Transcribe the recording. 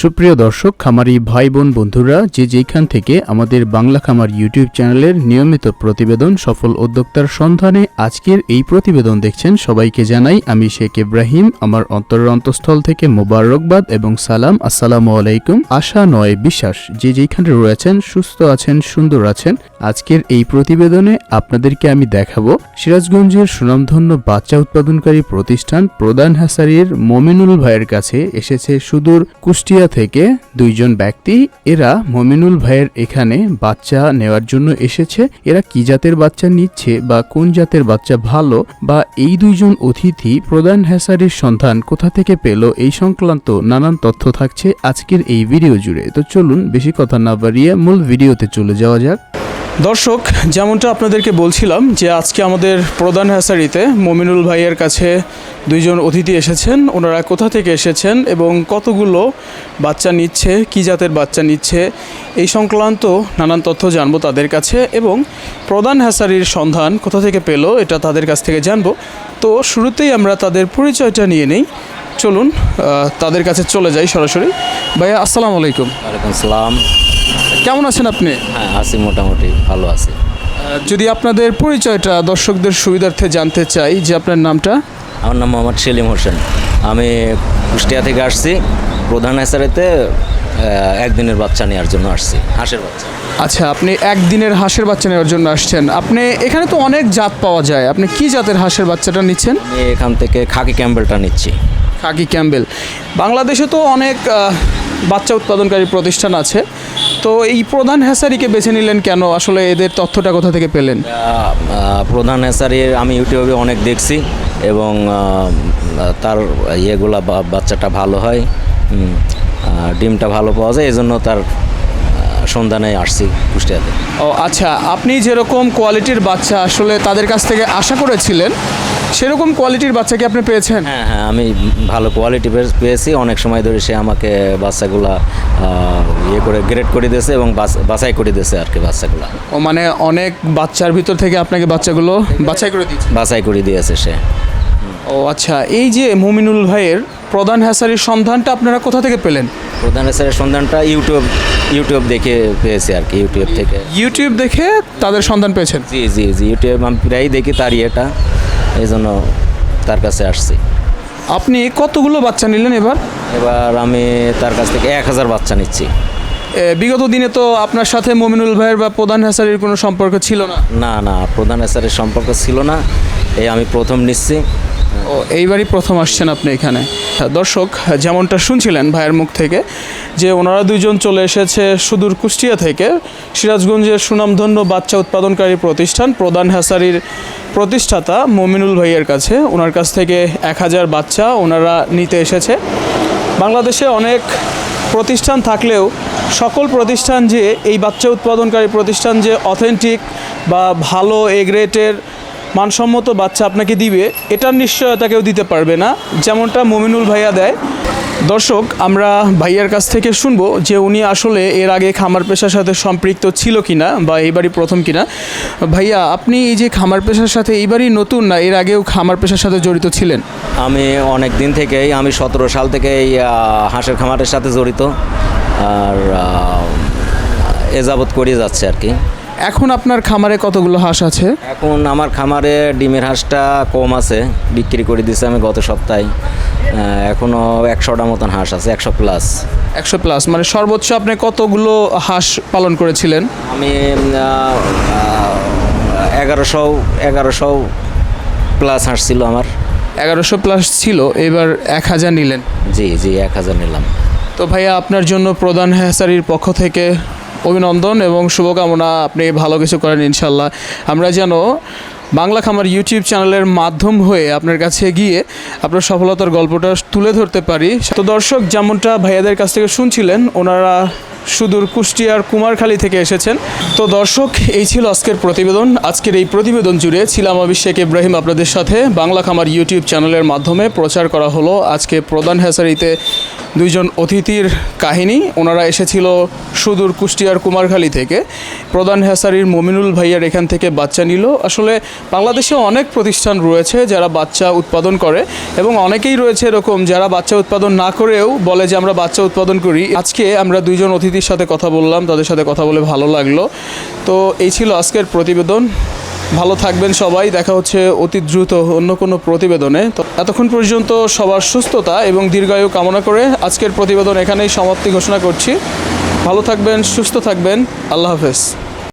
সুপ্রিয় দর্শক, খামারি ভাই বোন বন্ধুরা, যে যেখান থেকে আমাদের বাংলা খামার ইউটিউব চ্যানেলের নিয়মিত প্রতিবেদন সফল উদ্যোক্তার সন্ধানে আজকের এই প্রতিবেদন দেখছেন, সবাইকে জানাই আমি শেখ ইব্রাহিম। আমার অন্তরের অন্তঃস্থল থেকে মোবারকবাদ এবং সালাম। আসসালামু আলাইকুম। আশা নয় বিশ্বাস, যে যেখানে রয়েছেন সুস্থ আছেন, সুন্দর আছেন। আজকের এই প্রতিবেদনে আপনাদেরকে আমি দেখাবো সিরাজগঞ্জের সুনামধন্য বাচ্চা উৎপাদনকারী প্রতিষ্ঠান প্রধান হ্যাসারির মমিনুল ভাইয়ের কাছে এসেছে সুদূর কুষ্টিয়া থেকে দুইজন ব্যক্তি। এরা মমিনুল ভাইয়ের এখানে বাচ্চা নেওয়ার জন্য এসেছে। এরা কি জাতের বাচ্চা নিচ্ছে বা কোন জাতের বাচ্চা ভালো, বা এই দুইজন অতিথি প্রধান হ্যাসারির সন্ধান কোথা থেকে পেল, এই সংক্রান্ত নানান তথ্য থাকছে আজকের এই ভিডিও জুড়ে। তো চলুন বেশি কথা না বাড়িয়ে মূল ভিডিওতে চলে যাওয়া যাক। দর্শক, যেমনটা আপনাদেরকে বলছিলাম যে আজকে আমাদের প্রধান হ্যাসারিতে মমিনুল ভাইয়ের কাছে দুইজন অতিথি এসেছেন। ওনারা কোথা থেকে এসেছেন এবং কতগুলো বাচ্চা নিচ্ছে, কী জাতের বাচ্চা নিচ্ছে, এই সংক্রান্ত নানান তথ্য জানবো তাদের কাছে, এবং প্রধান হ্যাসারির সন্ধান কোথা থেকে পেল এটা তাদের কাছ থেকে জানবো। তো শুরুতেই আমরা তাদের পরিচয়টা নিয়ে নেই। চলুন তাদের কাছে চলে যাই সরাসরি। ভাইয়া, আসসালামু আলাইকুম। ওয়ালাইকুম সালাম। কেমন আছেন আপনি? হ্যাঁ, আছি, মোটামুটি ভালো আছি। যদি আপনাদের পরিচয়টা দর্শকদের সুবিধার্থে জানতে চাই, যে আপনার নামটা? আমার নাম মোহাম্মদ সেলিম হোসেন। আমি কুষ্টিয়া থেকে আসছি। প্রধান হ্যাসারিতে একদিনের বাচ্চা নেওয়ার জন্য আসছি, হাঁসের বাচ্চা। আচ্ছা, আপনি একদিনের হাঁসের বাচ্চা নেওয়ার জন্য আসছেন। আপনি এখানে তো অনেক জাত পাওয়া যায়, আপনি কি জাতের হাঁসের বাচ্চাটা নিচ্ছেন? আমি এখান থেকে খাকি ক্যাম্বেলটা নিচ্ছি। Khaki Campbell. বাংলাদেশে তো অনেক বাচ্চা উৎপাদনকারী প্রতিষ্ঠান আছে, তো এই প্রধান হ্যাসারিকে বেছে নিলেন কেন? আসলে এদের তথ্যটা কোথা থেকে পেলেন? প্রধান হ্যাসারির আমি ইউটিউবে অনেক দেখছি এবং তার ইয়েগুলা বাচ্চাটা ভালো হয়, ডিমটা ভালো পাওয়া যায়, এই জন্য তার সন্ধানে আসছি কুষ্টিয়াতে। ও আচ্ছা, আপনি যেরকম কোয়ালিটির বাচ্চা আসলে তাদের কাছ থেকে আশা করেছিলেন, সেরকম কোয়ালিটির বাচ্চা কি আপনি পেয়েছেন? হ্যাঁ হ্যাঁ, আমি ভালো কোয়ালিটি পেয়েছি। অনেক সময় ধরে সে আমাকে বাচ্চাগুলা ইয়ে করে গ্রেড করে দিয়েছে এবং বাছাই করে দিয়েছে আর কি বাচ্চাগুলা। ও মানে অনেক বাচ্চার ভিতর থেকে আপনাকে বাচ্চাগুলো বাছাই করে দিয়েছে? বাছাই করে দিয়েছে সে। ও আচ্ছা, এই যে মমিনুল ভাইয়ের প্রধান হ্যাসারির সন্ধানটা আপনারা কোথা থেকে পেলেন? প্রধান হ্যাসারির সন্ধানটা ইউটিউব দেখে পেয়েছি আর কি। ইউটিউব দেখে তাদের সন্ধান পেয়েছেন? জি জি জি, ইউটিউব আমি প্রায়ই দেখি তার ইয়েটা, এই জন্য তার কাছে আসছি। আপনি কতগুলো বাচ্চা নিলেন এবার? এবার আমি তার কাছ থেকে 1000 বাচ্চা নিচ্ছি। বিগত দিনে তো আপনার সাথে মমিনুল ভাইয়ের বা প্রধান হ্যাসারির কোনো সম্পর্ক ছিল না? না না, প্রধান হ্যাসারির সম্পর্ক ছিল না, এই আমি প্রথম নিচ্ছি। ও, এইবারই প্রথম আসছেন আপনি এখানে। দর্শক, যেমনটা শুনছিলেন ভাইয়ের মুখ থেকে যে ওনারা দুইজন চলে এসেছে সুদূর কুষ্টিয়া থেকে সিরাজগঞ্জের সুনামধন্য বাচ্চা উৎপাদনকারী প্রতিষ্ঠান প্রধান হ্যাসারির প্রতিষ্ঠাতা মমিনুল ভাইয়ের কাছে। ওনার কাছ থেকে 1000 বাচ্চা ওনারা নিতে এসেছে। বাংলাদেশে অনেক প্রতিষ্ঠান থাকলেও সকল প্রতিষ্ঠান যে এই বাচ্চা উৎপাদনকারী প্রতিষ্ঠান যে অথেন্টিক বা ভালো এ গ্রেডের মানসম্মত বাচ্চা আপনাকে দিবে, এটার নিশ্চয়তা কেউ দিতে পারবে না, যেমনটা মমিনুল ভাইয়া দেয়। দর্শক, আমরা ভাইয়ার কাছ থেকে শুনবো যে উনি আসলে এর আগে খামার পেশার সাথে সম্পৃক্ত ছিল কিনা বা এইবারই প্রথম কিনা। ভাইয়া, আপনি এই যে খামার পেশার সাথে এইবারই নতুন, না এর আগেও খামার পেশার সাথে জড়িত ছিলেন? আমি অনেক দিন থেকেই, আমি 17 সাল থেকে এই হাঁসের খামারের সাথে জড়িত, আর এ যাবৎ করে যাচ্ছে আর কি। এখন আপনার খামারে কতগুলো হাঁস আছে? এখন আমার খামারে ডিমের হাঁসটা কম আছে, বিক্রি করে দিয়েছে আমি গত সপ্তাহে। এখনও 100টা মতন হাঁস আছে, 100 প্লাস। 100 প্লাস মানে সর্বোচ্চ আপনি কতগুলো হাঁস পালন করেছিলেন? আমি 1100 প্লাস হাঁস ছিল আমার। 1100 প্লাস ছিল, এবার 1000 নিলেন? জি জি, 1000 নিলাম। তো ভাইয়া, আপনার জন্য প্রধান হ্যাসারির পক্ষ থেকে অভিনন্দন এবং শুভকামনা, আপনি ভালো কিছু করেন ইনশাল্লাহ। আমরা যেন বাংলা খামার ইউটিউব চ্যানেলের মাধ্যম হয়ে আপনার কাছে গিয়ে আপনার সফলতার গল্পটা তুলে ধরতে পারি। তো দর্শক, যেমনটা ভাইয়াদের কাছ থেকে শুনছিলেন, ওনারা সুদূর কুষ্টিয়ার কুমারখালী থেকে এসেছেন। তো দর্শক, এই ছিল আজকের প্রতিবেদন। আজকের এই প্রতিবেদন জুড়ে ছিলাম আমি শেখ ইব্রাহিম আপনাদের সাথে। বাংলা খামার ইউটিউব চ্যানেলের মাধ্যমে প্রচার করা হলো আজকে প্রধান হ্যাসারিতে দুইজন অতিথির কাহিনী। ওনারা এসেছিল সুদূর কুষ্টিয়ার কুমারখালী থেকে। প্রধান হ্যাসারির মমিনুল ভাইয়ার এখান থেকে বাচ্চা নিল। আসলে বাংলাদেশে অনেক প্রতিষ্ঠান রয়েছে যারা বাচ্চা উৎপাদন করে, এবং অনেকেই রয়েছে এরকম যারা বাচ্চা উৎপাদন না করেও বলে যে আমরা বাচ্চা উৎপাদন করি। আজকে আমরা দুইজন অতিথির সাথে কথা বললাম, তাদের সাথে কথা বলে ভালো লাগলো। তো এই ছিল আজকের প্রতিবেদন। ভালো থাকবেন সবাই, দেখা হচ্ছে অতি দ্রুত অন্য কোনো প্রতিবেদনে। তো এতক্ষণ পর্যন্ত সবার সুস্থতা এবং দীর্ঘায়ু কামনা করে আজকের প্রতিবেদন এখানেই সমাপ্তি ঘোষণা করছি। ভালো থাকবেন, সুস্থ থাকবেন, আল্লাহ হাফেজ।